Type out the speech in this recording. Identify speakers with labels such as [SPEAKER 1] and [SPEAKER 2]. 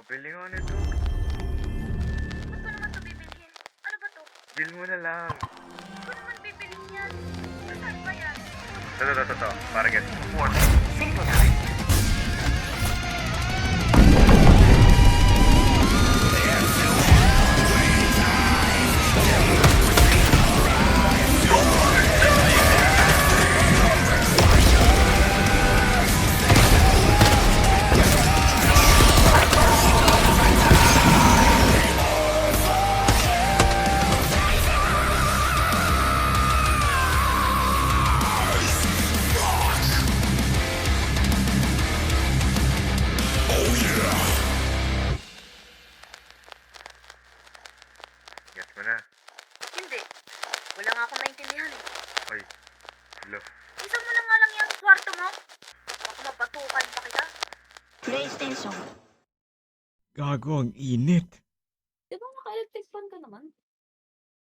[SPEAKER 1] Pabili nga nito.
[SPEAKER 2] Ba't ko naman ito bibilhin? Ano ba to?
[SPEAKER 1] Bill mo na lang.
[SPEAKER 2] Ba't ko naman bibilhin yan? Saan ba yan?
[SPEAKER 1] Ito. Para get.
[SPEAKER 3] Simple time.
[SPEAKER 1] Get mo na.
[SPEAKER 2] Hindi. Wala nga akong maintindihan eh.
[SPEAKER 1] Ay. Hello.
[SPEAKER 2] Isa mo na nga lang yung kwarto mo. Baka mapatukan pa kita.
[SPEAKER 3] PlayStation.
[SPEAKER 4] Gago, ang init.
[SPEAKER 2] Di ba naka-electric fan ka naman?